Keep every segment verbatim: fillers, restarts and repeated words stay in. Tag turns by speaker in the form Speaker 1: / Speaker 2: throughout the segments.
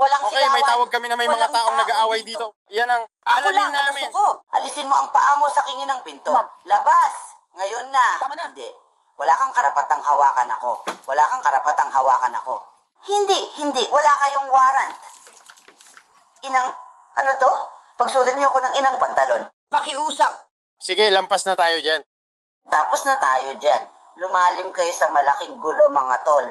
Speaker 1: walang
Speaker 2: Okay,
Speaker 1: sigawan.
Speaker 2: may tawag kami na may mga
Speaker 1: Walang
Speaker 2: taong
Speaker 1: tao
Speaker 2: nag-aaway
Speaker 1: dito.
Speaker 2: dito. Yan ang
Speaker 1: Ako
Speaker 2: alalin
Speaker 1: lang, ang
Speaker 2: namin.
Speaker 1: gusto ko. Alisin mo ang paa mo sa kingin ng pinto.
Speaker 3: Ma'am.
Speaker 1: Labas! Ngayon na.
Speaker 3: Tama na.
Speaker 1: Hindi. Wala kang karapatang hawakan ako. Wala kang karapatang hawakan ako. Hindi, hindi. Wala kayong warrant. Inang, ano to? Pagsulit niyo ko ng inang pantalon. Pakiusap.
Speaker 2: Sige, lampas na tayo dyan.
Speaker 1: Tapos na tayo dyan. Lumalim kayo sa malaking gulo, mga tol.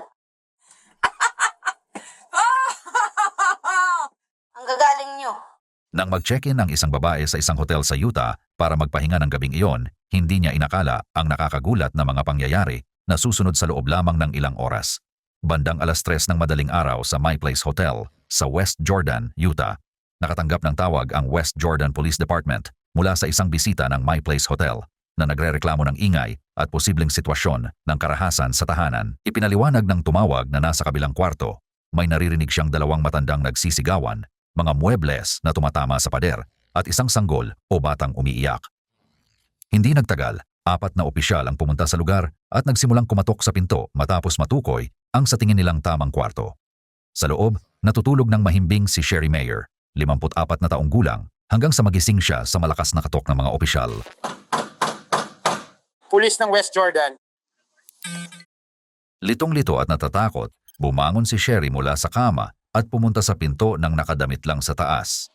Speaker 1: Ang gagaling nyo.
Speaker 4: Nang mag-check-in ang isang babae sa isang hotel sa Utah para magpahinga ng gabing iyon, hindi niya inakala ang nakakagulat na mga pangyayari na susunod sa loob lamang ng ilang oras. Bandang alas tres ng madaling araw sa My Place Hotel sa West Jordan, Utah, nakatanggap ng tawag ang West Jordan Police Department mula sa isang bisita ng My Place Hotel na nagrereklamo ng ingay at posibleng sitwasyon ng karahasan sa tahanan. Ipinaliwanag ng tumawag na nasa kabilang kwarto, may naririnig siyang dalawang matandang nagsisigawan, mga muebles na tumatama sa pader at isang sanggol o batang umiiyak. Hindi nagtagal, apat na opisyal ang pumunta sa lugar at nagsimulang kumatok sa pinto matapos matukoy ang sa tingin nilang tamang kwarto. Sa loob, natutulog ng mahimbing si Sherry Mayer, limampu't apat na taong gulang, hanggang sa magising siya sa malakas na katok ng mga opisyal.
Speaker 2: Pulis ng West Jordan.
Speaker 4: Litong-lito at natatakot, bumangon si Sherry mula sa kama at pumunta sa pinto ng nakadamit lang sa taas.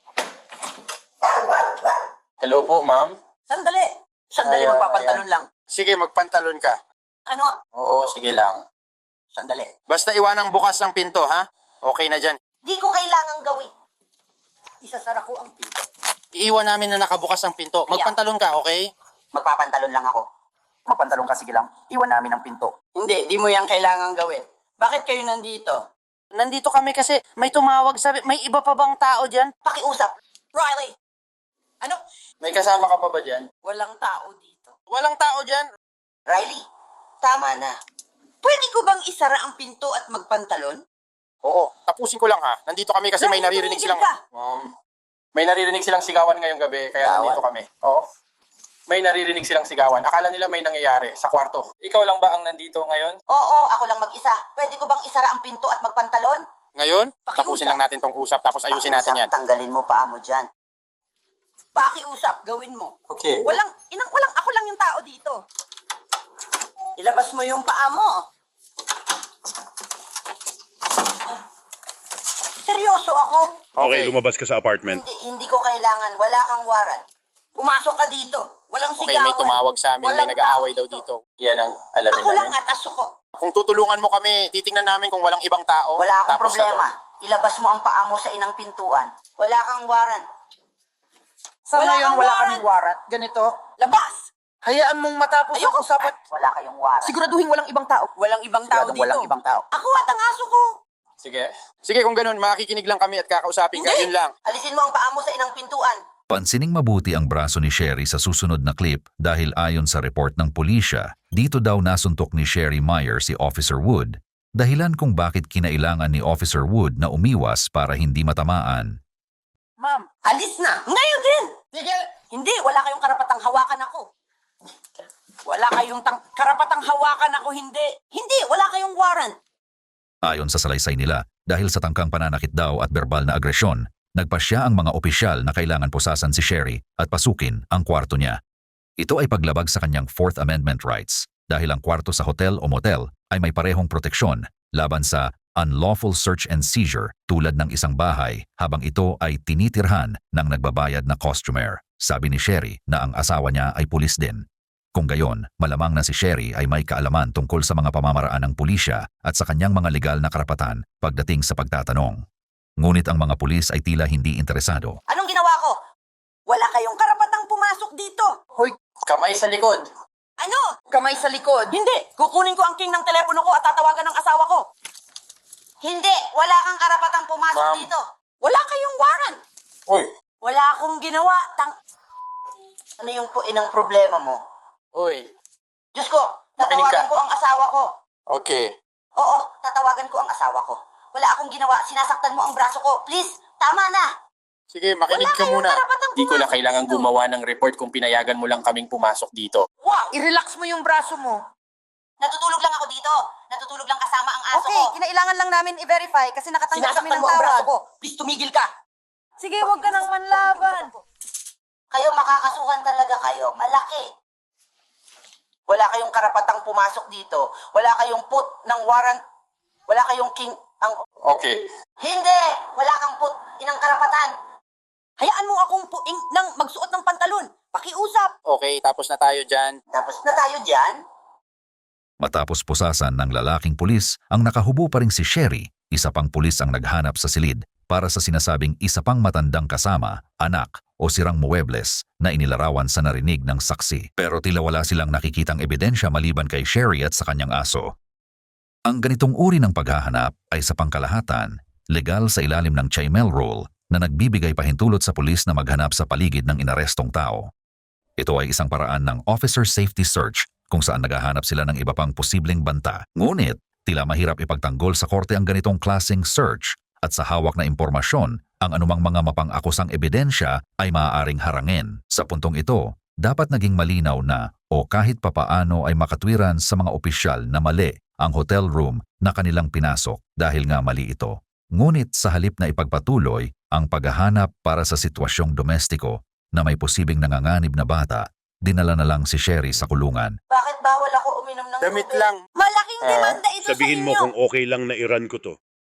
Speaker 2: Hello po, ma'am.
Speaker 1: Sandali. Sandali,
Speaker 2: Ayan,
Speaker 1: magpapantalon
Speaker 2: ayan.
Speaker 1: lang.
Speaker 2: Sige, magpantalon ka.
Speaker 1: Ano?
Speaker 2: Oo, sige lang.
Speaker 1: Sandali.
Speaker 2: Basta iwanang bukas ang pinto, ha? Okay na dyan.
Speaker 1: Di ko kailangang gawin. Isasara ko ang pinto.
Speaker 2: Iiwan namin na nakabukas ang pinto. Magpantalon ka, okay?
Speaker 1: Magpapantalon lang ako.
Speaker 3: Mapantalong ka, sige lang. Iwan namin ang pinto.
Speaker 1: Hindi, di mo yan kailangang gawin. Bakit kayo nandito?
Speaker 2: Nandito kami kasi may tumawag, sabi, may iba pa bang tao dyan?
Speaker 1: Pakiusap. Riley! Ano?
Speaker 2: May kasama ka pa ba dyan?
Speaker 1: Walang tao dito.
Speaker 2: Walang tao dyan.
Speaker 1: Riley, tama na. Pwede ko bang isara ang pinto at magpantalon?
Speaker 2: Oo, tapusin ko lang ha. Nandito kami kasi may
Speaker 1: Riley,
Speaker 2: naririnig
Speaker 1: tumigil
Speaker 2: silang...
Speaker 1: ka.
Speaker 2: Um, may naririnig silang sigawan ngayong gabi, kaya
Speaker 1: Sigawan?
Speaker 2: nandito kami. Oo. May naririnig silang sigawan. Akala nila may nangyayari sa kwarto. Ikaw lang ba ang nandito ngayon?
Speaker 1: Oo, ako lang mag-isa. Pwede ko bang isara ang pinto at magpantalon?
Speaker 2: Ngayon?
Speaker 1: Pakiusap.
Speaker 2: Tapusin lang natin tong usap, tapos ayusin natin yan.
Speaker 1: Pakiusap, tanggalin mo paa mo dyan. Pakiusap, gawin mo.
Speaker 2: Okay.
Speaker 1: Walang, inang walang, ako lang yung tao dito. Ilabas mo yung paa mo. Seryoso ako.
Speaker 5: Okay, lumabas ka sa apartment.
Speaker 1: Hindi, hindi ko kailangan. Wala kang warrant. Pumasok ka dito. Walang
Speaker 2: Okay,
Speaker 1: sigawan.
Speaker 2: may tumawag sa amin, may
Speaker 1: Walang
Speaker 2: nag-aaway
Speaker 1: tao
Speaker 2: daw dito. Yan ang alamin
Speaker 1: Ako lang
Speaker 2: namin.
Speaker 1: at aso ko.
Speaker 2: Kung tutulungan mo kami, titingnan namin kung walang ibang tao.
Speaker 1: Wala akong
Speaker 2: Tapos na
Speaker 1: problema. Ilabas mo ang paa mo sa inang pintuan. Wala kang warrant.
Speaker 3: Sa
Speaker 1: Wala
Speaker 3: ngayon,
Speaker 1: kang
Speaker 3: wala
Speaker 1: warrant.
Speaker 3: kaming warrant. Ganito,
Speaker 1: Labas!
Speaker 3: hayaan mong matapos ang
Speaker 1: Ayoko.
Speaker 3: usapan.
Speaker 1: Wala kayong warrant.
Speaker 3: Siguraduhin walang ibang tao.
Speaker 1: Walang ibang tao
Speaker 3: Siguradong
Speaker 1: dito.
Speaker 3: walang ibang tao.
Speaker 1: Ako at ang aso ko.
Speaker 2: Sige. Sige, kung ganun, makikinig lang kami at kakausapin ka. Yun lang.
Speaker 1: Alisin mo ang paa mo sa inang pintuan.
Speaker 4: Pansining mabuti ang braso ni Sherry sa susunod na clip dahil ayon sa report ng pulisya, dito daw nasuntok ni Sherry Meyer si Officer Wood, dahilan kung bakit kinailangan ni Officer Wood na umiwas para hindi matamaan.
Speaker 3: Ma'am,
Speaker 1: Alis na. Ngayon din.
Speaker 3: tigil!
Speaker 1: Hindi, wala kayong karapatang hawakan ako. Wala kayong tang karapatang hawakan ako, hindi. Hindi, wala kayong warrant.
Speaker 4: Ayon sa salaysay nila, dahil sa tangkang pananakit daw at verbal na agresyon, nagpasya ang mga opisyal na kailangan pusasan si Sherry at pasukin ang kwarto niya. Ito ay paglabag sa kanyang Fourth Amendment rights dahil ang kwarto sa hotel o motel ay may parehong proteksyon laban sa unlawful search and seizure tulad ng isang bahay habang ito ay tinitirhan ng nagbabayad na customer. Sabi ni Sherry na ang asawa niya ay pulis din. Kung gayon, malamang na si Sherry ay may kaalaman tungkol sa mga pamamaraan ng pulisya at sa kanyang mga legal na karapatan pagdating sa pagtatanong. Ngunit ang mga pulis ay tila hindi interesado.
Speaker 1: Anong ginawa ko? Wala kayong karapatang pumasok dito.
Speaker 3: Hoy,
Speaker 2: Kamay sa likod.
Speaker 1: Ano?
Speaker 3: kamay sa likod.
Speaker 1: Hindi. Kukunin ko ang king ng telepono ko at tatawagan ng asawa ko. Hindi. Wala kang karapatang pumasok
Speaker 2: Ma'am.
Speaker 1: dito. Wala kayong warrant.
Speaker 2: Uy.
Speaker 1: Wala akong ginawa. Tang... Ano yung po inang problema mo?
Speaker 2: Uy.
Speaker 1: Diyos ko,
Speaker 2: Makinig ka.
Speaker 1: tatawagan ko ang asawa ko.
Speaker 2: Okay.
Speaker 1: Oo, tatawagan ko ang asawa ko. Wala akong ginawa. Sinasaktan mo ang braso ko. Please, tama na.
Speaker 2: Sige, makinig
Speaker 1: Wala
Speaker 2: ka
Speaker 1: kayong
Speaker 2: muna.
Speaker 1: karapatang
Speaker 2: Di ko na
Speaker 1: pumasok
Speaker 2: kailangan
Speaker 1: dito.
Speaker 2: gumawa ng report kung pinayagan mo lang kaming pumasok dito.
Speaker 1: Wow!
Speaker 3: I-relax mo yung braso mo.
Speaker 1: Natutulog lang ako dito. Natutulog lang kasama ang aso
Speaker 3: Okay,
Speaker 1: ko.
Speaker 3: kinailangan lang namin i-verify kasi nakatanggap kami
Speaker 1: Sinasaktan
Speaker 3: ng
Speaker 1: mo ang braso
Speaker 3: tawag.
Speaker 1: ko.
Speaker 3: Please, tumigil ka. Sige, huwag ka nang manlaban.
Speaker 1: Kayo makakasuhan talaga kayo. Malaki. Wala kayong karapatang pumasok dito. Wala kayong put ng warrant. Wala kayong king... Ang...
Speaker 2: Okay.
Speaker 1: Hindi! Wala kang put inang karapatan.
Speaker 3: Hayaan mo akong puing nang magsuot ng pantalon. Pakiusap.
Speaker 6: Okay, tapos na tayo dyan.
Speaker 1: Tapos na tayo dyan.
Speaker 4: Matapos pusasan ng lalaking pulis, ang nakahubo pa ring si Sherry, isa pang pulis ang naghanap sa silid para sa sinasabing isa pang matandang kasama, anak o sirang muebles na inilarawan sa narinig ng saksi. Pero tila wala silang nakikitang ebidensya maliban kay Sherry at sa kanyang aso. Ang ganitong uri ng paghahanap ay sa pangkalahatan, legal sa ilalim ng Chaimel Rule na nagbibigay pahintulot sa pulis na maghanap sa paligid ng inarestong tao. Ito ay isang paraan ng officer safety search kung saan naghahanap sila ng iba pang posibleng banta. Ngunit, tila mahirap ipagtanggol sa korte ang ganitong klaseng search at sa hawak na impormasyon, ang anumang mga mapang-akusang ebidensya ay maaaring harangin. Sa puntong ito, dapat naging malinaw na o kahit papaano ay makatwiran sa mga opisyal na mali ang hotel room na kanilang pinasok dahil nga mali ito. Ngunit sa halip na ipagpatuloy ang paghahanap para sa sitwasyong domestiko na may posibleng nanganganib na bata, dinala na lang si Sherry sa kulungan.
Speaker 1: Bakit bawal ako uminom ng
Speaker 6: Damit
Speaker 1: tubig?
Speaker 6: lang.
Speaker 3: Malaking
Speaker 2: Ah,
Speaker 3: demanda ito
Speaker 5: Sabihin
Speaker 3: sa
Speaker 5: mo
Speaker 3: inyo.
Speaker 5: kung okay lang na i-run ko to.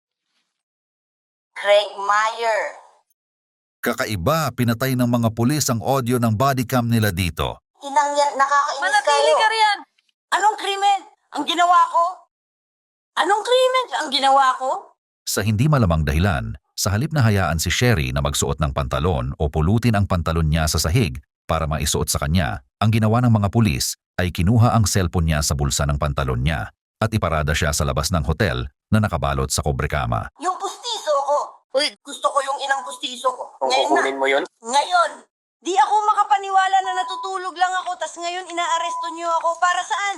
Speaker 1: Craig Meyer.
Speaker 4: Kakaiba, pinatay ng mga pulis ang audio ng body cam nila dito.
Speaker 1: Inang yan, nakakainis
Speaker 3: Manatili
Speaker 1: kayo.
Speaker 3: ka riyan. Anong krimen ang ginawa ko? Anong krimen ang ginawa ko?
Speaker 4: Sa hindi malamang dahilan, sa halip na hayaan si Sherry na magsuot ng pantalon o pulutin ang pantalon niya sa sahig para maisuot sa kanya, ang ginawa ng mga pulis ay kinuha ang cellphone niya sa bulsa ng pantalon niya at iparada siya sa labas ng hotel na nakabalot sa kobrekama.
Speaker 1: Yung pustiso ko.
Speaker 3: Uy, gusto ko yung inang pustiso ko.
Speaker 2: Kung
Speaker 3: Ngayon na.
Speaker 2: kukunin mo yun,
Speaker 3: Ngayon. Di ako makapaniwala na natutulog lang ako tas ngayon inaaresto niyo ako. Para saan?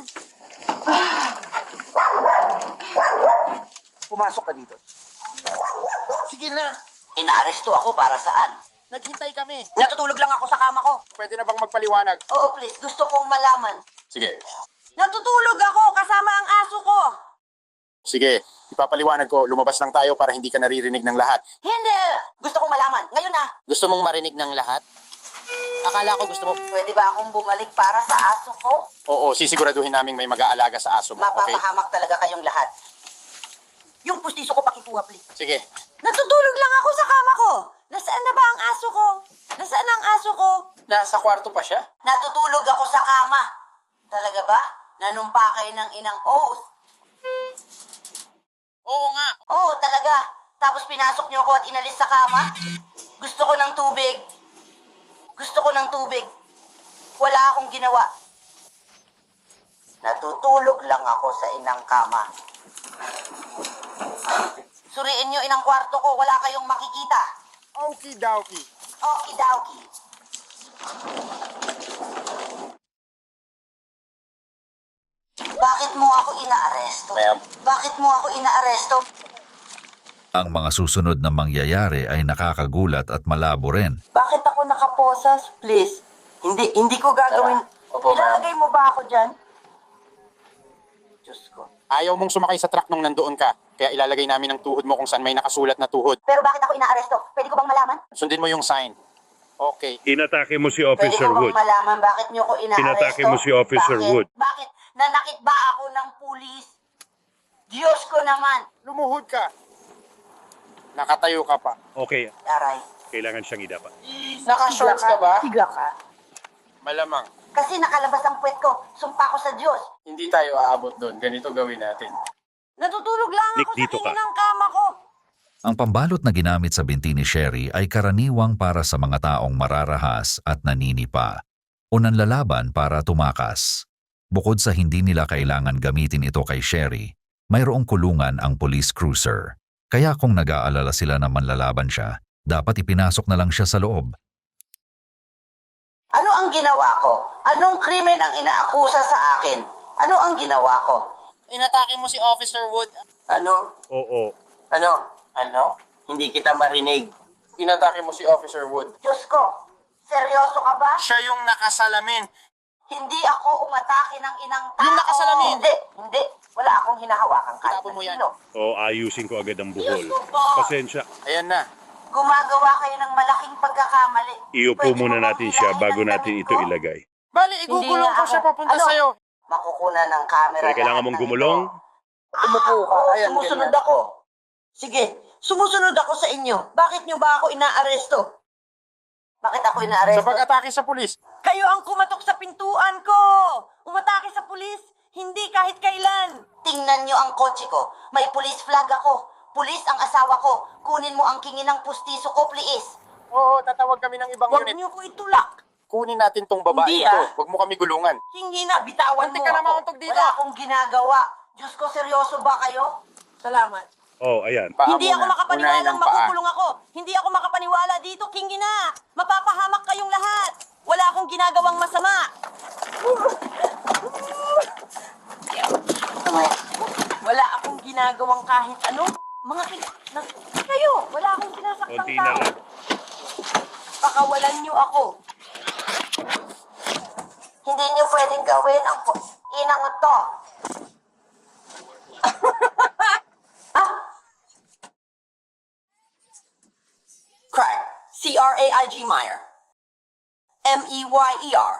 Speaker 6: Pumasok ka dito.
Speaker 3: Sige na.
Speaker 1: Inaaresto ako para saan?
Speaker 6: Naghintay kami.
Speaker 3: Natutulog lang ako sa kama ko.
Speaker 6: Pwede na bang magpaliwanag?
Speaker 1: Oo, please. Gusto kong malaman.
Speaker 2: sige.
Speaker 3: Natutulog ako kasama ang aso ko.
Speaker 6: Sige, ipapaliwanag ko. Lumabas lang tayo para hindi ka naririnig ng lahat.
Speaker 1: Hindi! Gusto kong malaman. Ngayon na.
Speaker 6: Gusto mong marinig ng lahat? Akala ko gusto mo...
Speaker 1: Pwede ba akong bumalik para sa aso ko?
Speaker 6: Oo, sisiguraduhin namin may mag-aalaga sa aso mo, okay?
Speaker 1: Mapapahamak talaga kayong lahat.
Speaker 3: Yung pustiso ko pakikuha, please.
Speaker 6: Sige.
Speaker 3: Natutulog lang ako sa kama ko. Nasaan na ba ang aso ko? Nasaan ang aso ko?
Speaker 2: Nasa kwarto pa siya?
Speaker 1: Natutulog ako sa kama. Talaga ba? Nanumpa kayo ng inang oath.
Speaker 6: Oo nga.
Speaker 1: Oo, talaga. Tapos pinasok niyo ako at inalis sa kama? Gusto ko ng tubig. Gusto ko ng tubig. Wala akong ginawa. Natutulog lang ako sa inang kama. Suriin niyo inang kwarto ko. Wala kayong makikita.
Speaker 6: Okie-dokie.
Speaker 1: Okie-dokie. Bakit mo ako inaaresto?
Speaker 2: Ma'am.
Speaker 1: Bakit mo ako inaaresto?
Speaker 4: Ang mga susunod na mangyayari ay nakakagulat at malabo rin.
Speaker 3: Bakit ako nakaposas, please? Hindi, hindi ko gagawin.
Speaker 2: Opo, ma'am.
Speaker 3: Ilalagay mo ba ako dyan?
Speaker 1: Diyos ko.
Speaker 6: Ayaw mong sumakay sa truck nung nandoon ka. Kaya ilalagay namin ang tuhod mo kung saan may nakasulat na tuhod.
Speaker 1: Pero bakit ako inaaresto? Pwede ko bang malaman?
Speaker 6: Sundin mo yung sign. Okay.
Speaker 5: Inatake mo si
Speaker 1: Pwede
Speaker 5: Officer
Speaker 1: ko bang
Speaker 5: Wood.
Speaker 1: malaman bakit niyo ko inaaresto?
Speaker 5: Pinatake mo si Officer
Speaker 1: bakit?
Speaker 5: Wood.
Speaker 1: Bakit? Nanakit ba ako ng pulis? Diyos ko naman.
Speaker 6: Lumuhod ka. Nakatayo ka pa.
Speaker 5: Okay,
Speaker 1: Aray.
Speaker 5: kailangan siyang idapa.
Speaker 2: Naka-shorts ka ba?
Speaker 3: Higa ka.
Speaker 6: Malamang.
Speaker 1: Kasi nakalabas ang puwet ko. Sumpa ko sa Diyos.
Speaker 2: Hindi tayo aabot doon. Ganito gawin natin.
Speaker 3: Natutulog lang
Speaker 5: Nick,
Speaker 3: ako
Speaker 5: dito
Speaker 3: sa
Speaker 5: ka.
Speaker 3: tingin ng kama ko.
Speaker 4: Ang pambalot na ginamit sa binti ni Sherry ay karaniwang para sa mga taong mararahas at naninipa o nanlalaban para tumakas. Bukod sa hindi nila kailangan gamitin ito kay Sherry, mayroong kulungan ang police cruiser. Kaya kung nag-aalala sila na manlalaban siya, dapat ipinasok na lang siya sa loob.
Speaker 1: Ano ang ginawa ko? Anong krimen ang inaakusa sa akin? Ano ang ginawa ko?
Speaker 6: Inatake mo si Officer Wood.
Speaker 1: Ano?
Speaker 5: Oo.
Speaker 1: Ano? Ano? Hindi kita marinig.
Speaker 2: Inatake mo si Officer Wood.
Speaker 1: Diyos ko. Seryoso ka ba?
Speaker 6: Siya yung nakasalamin.
Speaker 1: Hindi ako umatake ng inang tao.
Speaker 6: Yung nakasalamin.
Speaker 1: Hindi, hindi. Wala akong hinahawakan kahit
Speaker 6: Itapon mo
Speaker 1: na
Speaker 6: yan.
Speaker 1: sino.
Speaker 5: O ayusin ko agad ang buhol.
Speaker 1: Diyos ko po.
Speaker 5: Pasensya.
Speaker 6: Ayan na.
Speaker 1: Gumagawa kayo ng malaking pagkakamali.
Speaker 5: Iupo
Speaker 1: Pwede
Speaker 5: muna
Speaker 1: mo bang
Speaker 5: natin siya
Speaker 1: hilahin
Speaker 5: bago
Speaker 1: ang
Speaker 5: natin
Speaker 1: damit
Speaker 5: ito
Speaker 1: ko?
Speaker 5: ilagay.
Speaker 6: Bali, igugulong
Speaker 1: nga
Speaker 6: ko siya
Speaker 1: ako.
Speaker 6: papunta
Speaker 1: Ano?
Speaker 6: sa'yo.
Speaker 1: Makukunan ng camera
Speaker 5: Kaya kailangan
Speaker 1: lahat
Speaker 5: mong
Speaker 1: ng
Speaker 5: gumulong?
Speaker 1: ito.
Speaker 6: Umupo ka.
Speaker 1: Oo,
Speaker 6: Ayan,
Speaker 1: sumusunod
Speaker 6: ganyan.
Speaker 1: ako.
Speaker 3: Sige, sumusunod ako sa inyo. Bakit nyo ba ako inaaresto?
Speaker 1: Bakit ako inaaresto?
Speaker 6: Sa pag-atake sa pulis.
Speaker 3: Kayo ang kumatok sa pintuan ko! Umatake sa pulis? Hindi kahit kailan!
Speaker 1: Tingnan nyo ang kotse ko. May police flag ako. Pulis ang asawa ko. Kunin mo ang kingi ng pustiso ko, please.
Speaker 6: Oo, tatawag kami ng ibang
Speaker 3: Huwag
Speaker 6: unit.
Speaker 3: nyo ko itulak!
Speaker 6: Kunin natin tong babae
Speaker 3: Hindi,
Speaker 6: ito.
Speaker 3: ah.
Speaker 6: Huwag mo kami gulungan.
Speaker 3: Hingi na, bitawan
Speaker 6: Muntik
Speaker 3: mo
Speaker 6: ka na
Speaker 3: ako.
Speaker 6: mauntog dito.
Speaker 1: Wala akong ginagawa. Diyos ko, seryoso ba kayo?
Speaker 3: Salamat.
Speaker 5: Oh, ayan.
Speaker 6: Paa
Speaker 3: Hindi ako
Speaker 6: muna. Unahin
Speaker 3: makapaniwalang
Speaker 6: ang paa.
Speaker 3: makukulong ako. Hindi ako makapaniwala dito. Hingi na! Mapapahamak kayong lahat! Wala akong ginagawang masama! Wala akong ginagawang kahit ano. Mga kin... Na, kayo! Wala akong sinasaktan
Speaker 5: Konti na
Speaker 3: tao.
Speaker 5: lang.
Speaker 3: Pakawalan niyo ako.
Speaker 1: Hindi nyo pwedeng gawin ang pu- inang to.
Speaker 3: Crime. C R A I G Meyer. M E Y E R.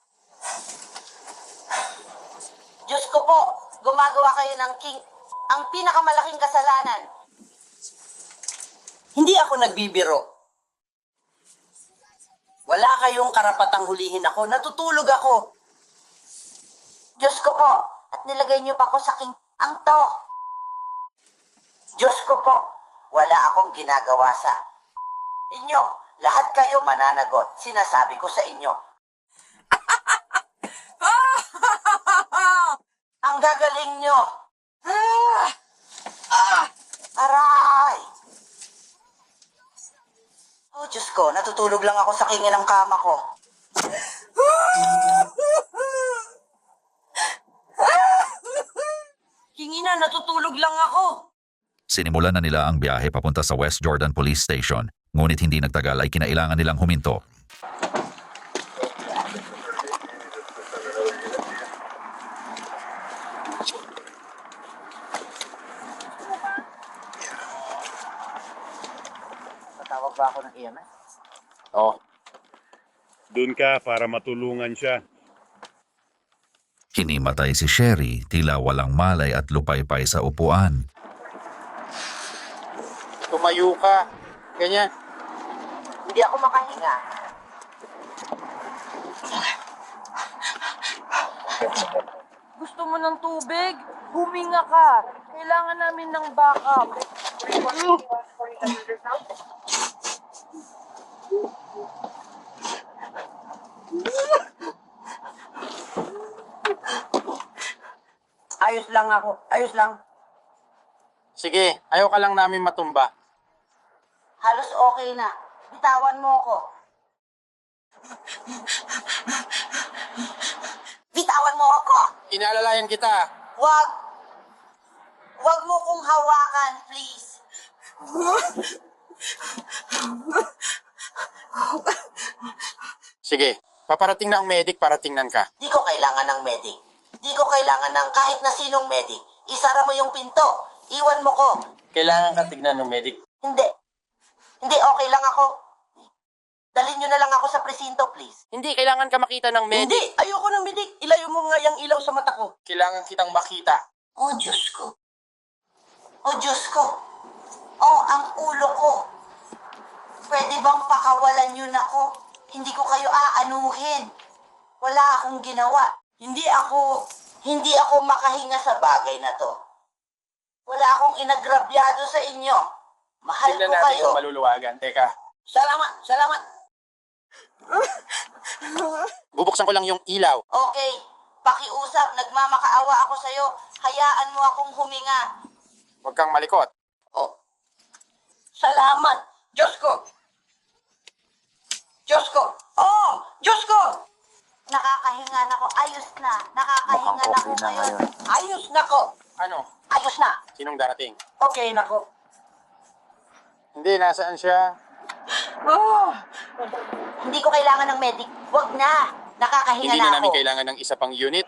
Speaker 1: Diyos ko po, gumagawa kayo ng king... Ang pinakamalaking kasalanan.
Speaker 3: Hindi ako nagbibiro. Wala kayong karapatang hulihin ako. Natutulog ako.
Speaker 1: Diyos ko po, at nilagay niyo pa ako sa king... Ang to. Diyos ko po, wala akong ginagawa sa inyo. Lahat kayo mananagot. Sinasabi ko sa inyo. Ang gagaling nyo. Aray! Oh, Diyos ko, natutulog lang ako sa kingin ng kama ko.
Speaker 3: Hingi na, natutulog lang ako.
Speaker 4: Sinimulan na nila ang biyahe papunta sa West Jordan Police Station, ngunit hindi nagtagal ay kinailangan nilang huminto.
Speaker 1: Tatawag ba ako ng E M S?
Speaker 6: Oo.
Speaker 5: Doon ka para matulungan siya.
Speaker 4: Hinimatay si Sherry, tila walang malay at lupaypay sa upuan.
Speaker 6: Tumayo ka. Ganyan.
Speaker 1: Hindi ako makahinga.
Speaker 3: Gusto mo ng tubig? Huminga ka. Kailangan namin ng backup. Ayos lang ako. Ayos lang.
Speaker 6: Sige, ayaw ka lang namin matumba.
Speaker 1: Halos okay na. Bitawan mo ako. Bitawan mo ako.
Speaker 6: Inaalalayan kita.
Speaker 1: Wag. Wag mo kong hawakan, please.
Speaker 6: Sige, paparating na ang medic para tingnan ka.
Speaker 1: Di ko kailangan ng medic. Di ko kailangan ng kahit na sinong medic. Isara mo yung pinto. Iwan mo ko.
Speaker 2: Kailangan ka tignan ng medic.
Speaker 1: Hindi. Hindi, okay lang ako. Dalhin nyo na lang ako sa presinto, please.
Speaker 6: Hindi, kailangan ka makita ng medic.
Speaker 3: Hindi, ayoko ng bidik. Ilayo mo nga yung ilaw sa mata ko.
Speaker 2: Kailangan kitang makita.
Speaker 1: Oh, Diyos ko. Oh, Diyos ko. Oh, ang ulo ko. Pwede bang pakawalan nyo na ako? Hindi ko kayo aanuhin. Wala akong ginawa. Hindi ako, hindi ako makahinga sa bagay na to. Wala akong inagrabyado sa inyo. Mahal
Speaker 2: Tignan
Speaker 1: ko
Speaker 2: natin
Speaker 1: kayo.
Speaker 2: kung maluluwagan. Teka.
Speaker 1: Salamat, salamat.
Speaker 6: Bubuksan ko lang yung ilaw.
Speaker 1: Okay, pakiusap, nagmamakaawa ako sa'yo. Hayaan mo akong huminga.
Speaker 6: Huwag kang malikot.
Speaker 1: Oh,
Speaker 3: Salamat. Diyos ko. Diyos ko. Oh, Diyos ko.
Speaker 1: nakakahinga na ako. Ayos na. Nakakahinga na ako ngayon.
Speaker 3: Ayos na ko.
Speaker 6: Ano?
Speaker 1: Ayos na.
Speaker 6: Sinong darating?
Speaker 3: Okay na ko.
Speaker 6: Hindi, nasaan siya?
Speaker 3: Oh,
Speaker 1: Hindi ko kailangan ng medic. Wag na. Nakakahinga
Speaker 6: Hindi
Speaker 1: na
Speaker 6: na namin
Speaker 1: ako.
Speaker 6: kailangan ng isa pang unit.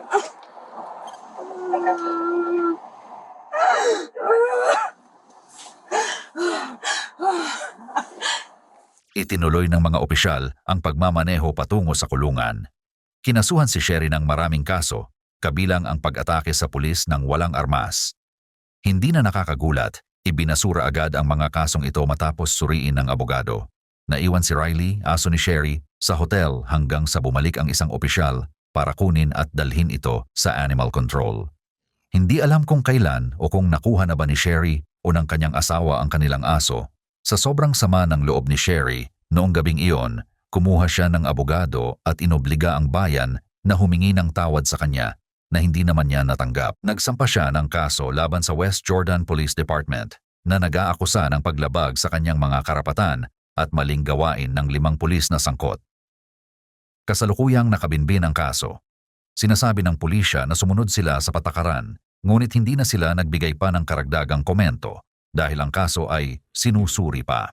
Speaker 4: Itinuloy ng mga opisyal ang pagmamaneho patungo sa kulungan. Kinasuhan si Sherry ng maraming kaso, kabilang ang pag-atake sa pulis ng walang armas. Hindi na nakakagulat, ibinasura agad ang mga kasong ito matapos suriin ng abogado. Naiwan si Riley, aso ni Sherry, sa hotel hanggang sa bumalik ang isang opisyal para kunin at dalhin ito sa animal control. Hindi alam kung kailan o kung nakuha na ba ni Sherry o ng kanyang asawa ang kanilang aso. Sa sobrang sama ng loob ni Sherry, noong gabing iyon, kumuha siya ng abogado at inobliga ang bayan na humingi ng tawad sa kanya na hindi naman niya natanggap. Nagsampa siya ng kaso laban sa West Jordan Police Department na nag-aakusa ng paglabag sa kanyang mga karapatan at maling gawain ng limang pulis na sangkot. Kasalukuyang nakabinbin ang kaso. Sinasabi ng pulisya na sumunod sila sa patakaran, ngunit hindi na sila nagbigay pa ng karagdagang komento dahil ang kaso ay sinusuri pa.